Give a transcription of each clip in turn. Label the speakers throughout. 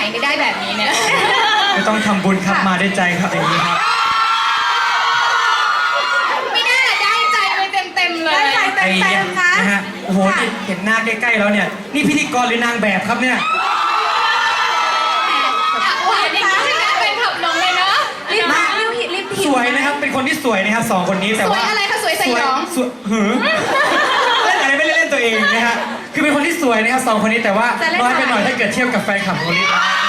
Speaker 1: ได้แบบนี้เนี่ย
Speaker 2: ไม่ต้องทำบุญครับมาด้วยใจครับอย่างนี้ครับ
Speaker 1: ไม่น่าได้ใจไปเต็มๆเลย
Speaker 3: ได้ใจเต็มๆนะ
Speaker 2: นะฮะโอ้โหนี่เห็นหน้าใกล้ๆแล้วเนี่ยนี่พิธีกรหรือนางแบบครับเนี่ย
Speaker 1: หวานอย่างนี้นะเป็นขับลงเลยเนาะ
Speaker 3: รีบมารีบผิด
Speaker 2: สวยนะครับเป็นคนที่สวยนะครับสองคนนี้แต่
Speaker 1: สว
Speaker 2: ว่าย
Speaker 1: อะไรคะสวยใส่หยอง
Speaker 2: สวยหือเล่นอะไรไม่ได้เล่นตัวเองนะฮะคือเป็นคนที่สวยนะครับสองคนนี้แต่ว่าน้อยไปหน่อยถ้าเกิดเทียบกับแฟนคลับคนนี้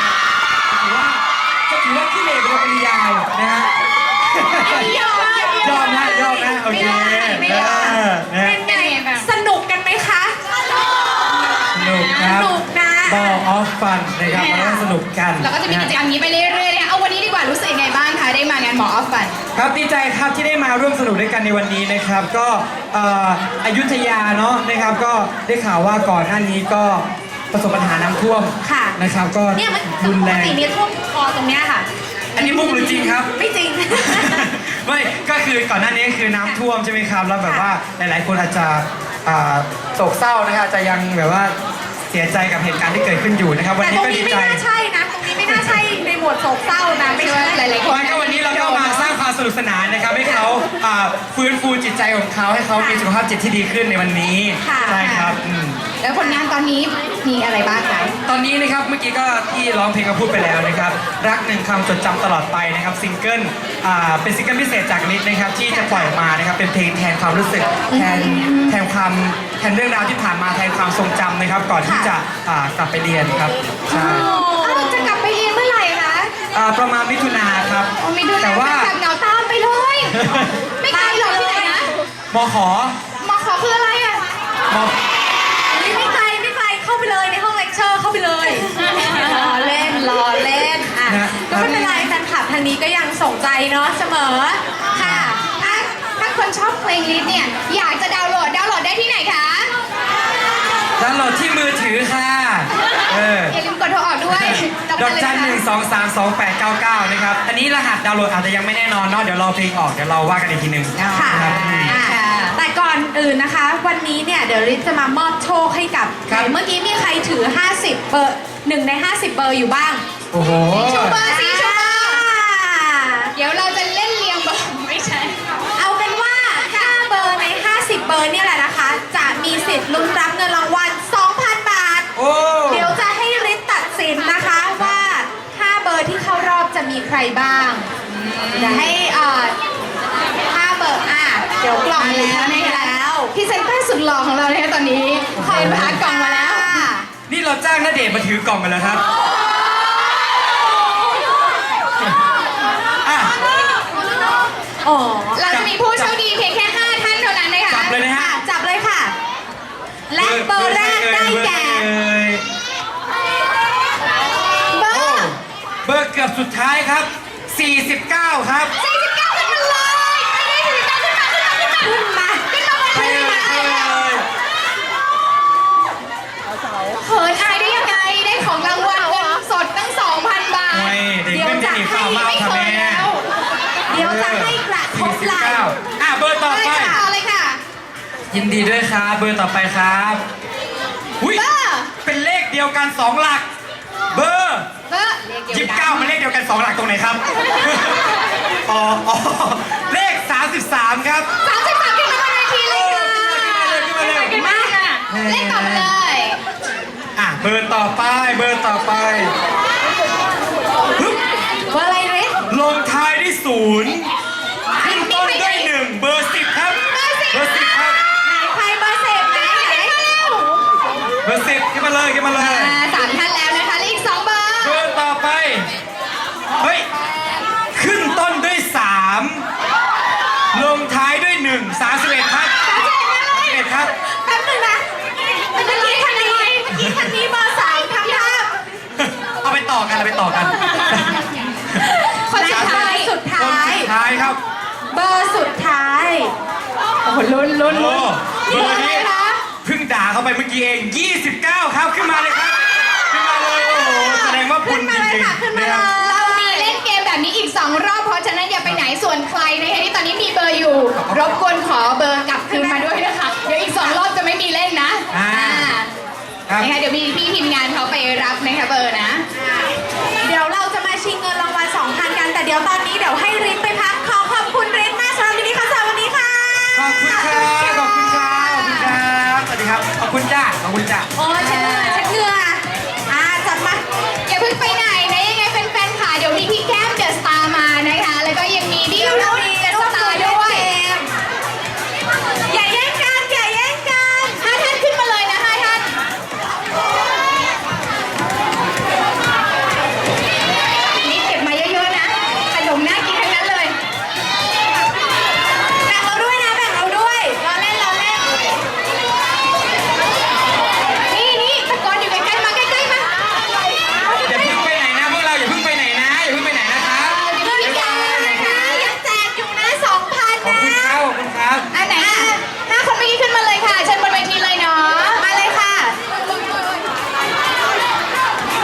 Speaker 2: ถือว่าขี้เหร่เป็นปริยายนะฮะยอมนะโอเค
Speaker 3: ไม่ได้
Speaker 2: นะ
Speaker 3: เป็นไงสนุกกันไหมคะ
Speaker 2: สนุกครับ
Speaker 3: สนุกนะ
Speaker 2: Ball of Fun นะครับเราต้องสนุกกัน
Speaker 1: เราก็จะมีกิจกรรมนี้ไปเรื่อยๆนะคะเอาวันนี้ดีกว่ารู้สึกยังไงบ้างคะได้มางานหมอออฟฟัน
Speaker 2: ครับดีใจครับที่ได้มาร่วมสนุกด้วยกันในวันนี้นะครับก็อยุธยาเนาะนะครับก็ได้ข่าวว่าก่อนหน้านี้ก็ประสบปัญหาน้ำท่วม
Speaker 3: ค่ะ
Speaker 2: นะครับก็
Speaker 3: เนี่ยมัน
Speaker 2: รุน
Speaker 3: ป
Speaker 2: แร
Speaker 3: ก
Speaker 2: ง
Speaker 3: ติเนี่ยท่วมคอตรงเนี้ยค่ะ
Speaker 2: อันนี้มุกหรือจริงครับ
Speaker 3: ไม่จริง
Speaker 2: ไม่ก็คือก่อนหน้านี้คือน้ำท่วมใช่ไหมครับแล้วแบบว่าหลายๆคนอาจจะโศกเศร้านะครับอาจจะยังแบบว่าเสียใจกับเหตุการณ์ที่เกิดขึ้นอยู่นะครับวัน
Speaker 3: แต่
Speaker 2: นี้
Speaker 3: ตรง
Speaker 2: ก็
Speaker 3: นี้
Speaker 2: ดี
Speaker 3: ไม่
Speaker 2: ใจ
Speaker 3: น่าใช่นะ ตรงนี้ไม่น่าใช่ในหมวดโศกเศร้านะไม่ใช่
Speaker 1: หลายๆค
Speaker 2: วันก็วันนี้เราก็มาสร้างความสนุกสนานนะครับให้เขาฟื้นฟูจิตใจของเขาให้เขามีสุขภาพจิตที่ดีขึ้นในวันนี้ใช่ครับ
Speaker 1: แล้วผลงานตอนนี้มีอะไรบ้างคะ
Speaker 2: ตอนนี้นะครับเมื่อกี้ก็ที่ร้องเพลงก็พูดไปแล้วนะครับรักหนึ่งคำจดจำตลอดไปนะครับซิงเกิลเป็นซิงเกิลพิเศษจากนิดนะครับที่จะปล่อยออกมานะครับเป็นเพลงแทนความรู้สึกแทนเรื่องราวที่ผ่านมาแทนความทรงจำนะครับก่อนที่จะกลับไปเรียนครับใช่
Speaker 1: จะกลับไปเรียนเมื่อไหร่คะ
Speaker 2: ประมาณมิถุนาครับ
Speaker 1: มีดู
Speaker 2: แต่ว่า
Speaker 1: จากเหงาตามไปเลย ไม่ไกลหรอกที่ไหนนะ
Speaker 2: มขอ
Speaker 1: มอขอคืออะไรอ่ะ
Speaker 2: ม
Speaker 3: ไม่ไกลเข้าไปเลยในห้องเลคเชอร์เข้าไปเลยรอเล่นอ่ะก็ไม่เป็นไรแฟนคลับทางนี้ก็ยังส่งใจเนาะเสมอค่ะ
Speaker 1: ถ้าคนชอบเพลงลิสเนี่ยอยากจะดาวน์โหลดได้ที่ไหนคะ
Speaker 2: ดาวน์โหลดที่มือถือค่ะ
Speaker 1: อย่าลืมกดโทรออกด้วย
Speaker 2: ดอกจัน 1232899นะครับอันนี้รหัสดาวน์โหลดอาจจะยังไม่แน่นอนเนาะเดี๋ยวรอเพลงออกเดี๋ยวเราว่ากันอีกทีหนึ่ง
Speaker 3: ค่ะ
Speaker 2: นะครับ
Speaker 3: แต่ก่อนอื่นนะคะ วันนี้เนี่ยเดี๋ยวริศจะมามอบโชคให้กับ
Speaker 2: ครับ
Speaker 3: เมื่อกี้มีใครถือ 50 เบอร์1ใน 50 เบอร์อยู่บ้าง
Speaker 2: โอ้โห
Speaker 1: ชูเบอร์สีชูเบอร์เดี๋ยวเราจะเล่นเรียงเบอร์ไม่ใช่
Speaker 3: เอาเป็นว่า 5 เบอร์ใน 50 เบอร์เนี่ยแหละนะคะ จะมีสิทธิ์ลุ้นรับเงินรางวัล 2,000 บาท
Speaker 2: โอ้
Speaker 3: เดี๋ยวจะให้ริศตัดสินนะคะว่า 5 เบอร์ที่เข้ารอบจะมีใครบ้างจะให้5 เบอร์เดี๋ยวกล่อง
Speaker 1: มาแล้วนะคะ
Speaker 3: แล้ว
Speaker 1: พรีเซนเตอร์สุดหล่อของเราเนี่ยตอนนี้คอยพากล่องมาแล้ว
Speaker 2: นี่เราจ้างณเดชน์มาถือกล่องกันแล้วครับอ่ะ
Speaker 3: อ๋อ
Speaker 1: เราจะมีผู้โชคดีเพียงแค่ 5 ท่านเท่านั้นนะคะ
Speaker 2: จับเลยนะฮะ
Speaker 3: จับเลยค่ะ และเบอร์แรกได้แก่
Speaker 1: เบอร์
Speaker 2: เบอร์เกือบสุดท้ายครับ 49 ครับ
Speaker 1: 49ขึ้นมาเลยไปได้49ขึ้นมา
Speaker 2: ไปเลยไปเลย
Speaker 1: เขินอายได้ยังไงได้ของรางวัลเงินสดตั้ง 2,000 บาท
Speaker 2: โอ้ยเด็กเพิ่งจะหนีข่าวมาค่ะแม่
Speaker 3: เดี๋ยวจะให้กระทบไหล่
Speaker 2: เบอร์ต่อ
Speaker 1: เลย
Speaker 2: ไป
Speaker 1: ค่ะเอาเลยค่ะ
Speaker 2: ยินดีด้วยครับเบอร์ต่อไปครับหุ้ย
Speaker 1: เบอร์
Speaker 2: เป็นเลขเดียวกัน 2 หลัก เบอร์
Speaker 1: เบอร์
Speaker 2: 29มันเลขเดียวกัน 2 หลักตรงไหนครับ อ๋อเลข 33 ครับ
Speaker 1: 33ขึ้นมาบนเวทีเลยค่ะ
Speaker 2: ขึ้นมาเลย
Speaker 1: ขึ้นมาค่ะเลขต่อมาเลย
Speaker 2: เบอร์ต่อไปเบอร์ต่อไปฮึบ
Speaker 3: เบอร์อะไรเรส
Speaker 2: ลงท้ายด้วย0ขึ้นต้นด้วย1เบอร์ 10 ครับเบอร์ 10 ครับ
Speaker 3: ไหนใครเบอร์10ไหน
Speaker 2: เบอร์ 10ขึ้นมาเลยขึ้นมาเลย
Speaker 1: 3 ท่านแล้วนะคะเลข2เบอร์
Speaker 2: เบอร์ต่อไปเฮ้ยขึ้นต้นด้วย3ลงท้ายด้วย1 31ครับ31ครับ
Speaker 3: แป๊บนึงนะเมื่อกี้คันนี้เบอร์3ทำท่า
Speaker 2: เอาไปต่อกันเอาไปต่อกัน
Speaker 1: คนสุดท้าย
Speaker 3: สุด
Speaker 2: ค
Speaker 3: ท้าน
Speaker 2: สุ
Speaker 3: ย
Speaker 2: ดท้ายครับ
Speaker 3: เบอร์สุดท้าย โอ้โหลุ้น
Speaker 2: โอ้เบอร์
Speaker 3: อะไร
Speaker 2: นี้
Speaker 3: คะ
Speaker 2: เพิ่งด่าเข้าไปเมื่อกี้เอง 29 ครับขึ้นมาเลยครับขึ้นมาเลยโอ้โหแสดงว่าบุญจริงๆนะครับ
Speaker 1: เรามีเล่นเกมแบบนี้อีก 2 รอบเพราะฉะนั้นอย่าไปไหนส่วนใครนะคะที่ตอนนี้มีเบอร์อยู่ รบกวนขอเบอร์กลับคืนมาด้วยนะคะ เดี๋ยวอีก 2 รอบจะไม่มีเล่นนะ
Speaker 2: ครับ
Speaker 1: นะคะเดี๋ยวมีพี่ทีมงานเขาไปรับนะคะเบอร์นะ
Speaker 3: ยวตอนนี้เดี๋ยวให้ฤทธิ์ไปพักขอขอบคุณฤทธิ์มากสำหรับวันนี้คอนเสิร์ตวันนี้ค่ะ
Speaker 2: ขอบคุณครับ ขอบคุณครับ ขอบคุณครับ สวัสดีครับ ขอบคุณจ้า ขอบคุณจ้า
Speaker 3: โอ้ย